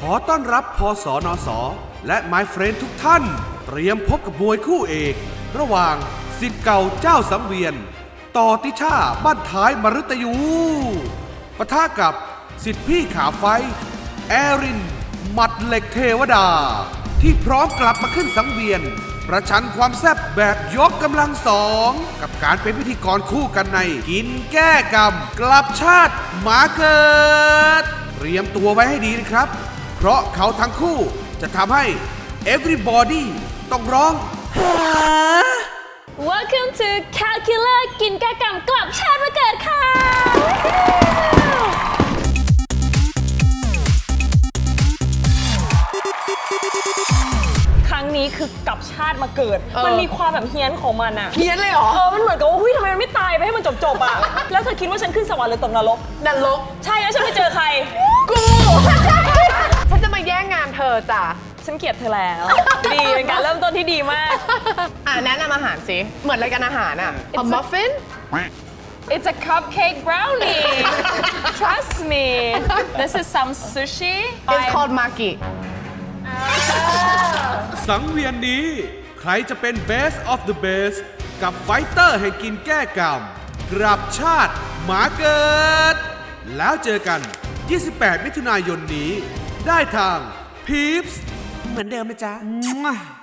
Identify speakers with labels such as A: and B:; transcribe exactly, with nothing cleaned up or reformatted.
A: ขอต้อนรับพสนสและ My Friend ทุกท่าน เตรียมพบกับมวยคู่เอก ระหว่างศิษย์เก่าเจ้าสังเวียน ต่อติช่าบ้านท้ายมฤตยูปะทะกับศิษย์พี่ขาไฟแอรินหมัดเหล็กเทวดา ที่พร้อมกลับมาขึ้นสังเวียน ประชันความแซ่บแบบยกกำลังสองกับการเป็นพิธีกรคู่กันในกินแก้กรรมกลับชาติหมาเกิดเตรียมตัวไว้ให้ดีนะครับเพราะเขาทั้งคู่จะทำให้ everybody ต้องร้องหา
B: Welcome to Calculator กินแก้กรรมกลับชาติมาเกิดค่ะครั้งนี้คือกลับชาติมาเกิด มันมีความแบบเฮี้ยนของมันอะ
C: เฮี้ยนเลยเหรอ
B: เออ มันเหมือนกับว่าหุ้ยทำไมมันไม่ตายไปให้มันจบๆอะ แล้วเธอคิดว่าฉันขึ้นสวรรค์หรือตกนรก
C: นรก
B: ใช่แล้วฉันไปเจอใคร
C: กู ฉันจะมาแย่งงานเธอจ้ะ
B: ฉันเกลียดเธอแล้ว ดีเป็นการเริ่มต้นที่ดีมาก
C: อ่ะแนะนำอาหารสิ เหมือนรายการอาหารอ่ะ A muffin
B: It's a cupcake brownie. Trust me. This is some sushi.
C: It's called maki
A: สังเวียนนี้ใครจะเป็น Best of the Best กับไฟเตอร์ให้กินแก้กรรมกลับชาติหมาเกิด แล้วเจอกัน ยี่สิบแปด มิถุนายนนี้ ได้ทาง พีปส์ เหมือนเดิมนะจ๊ะ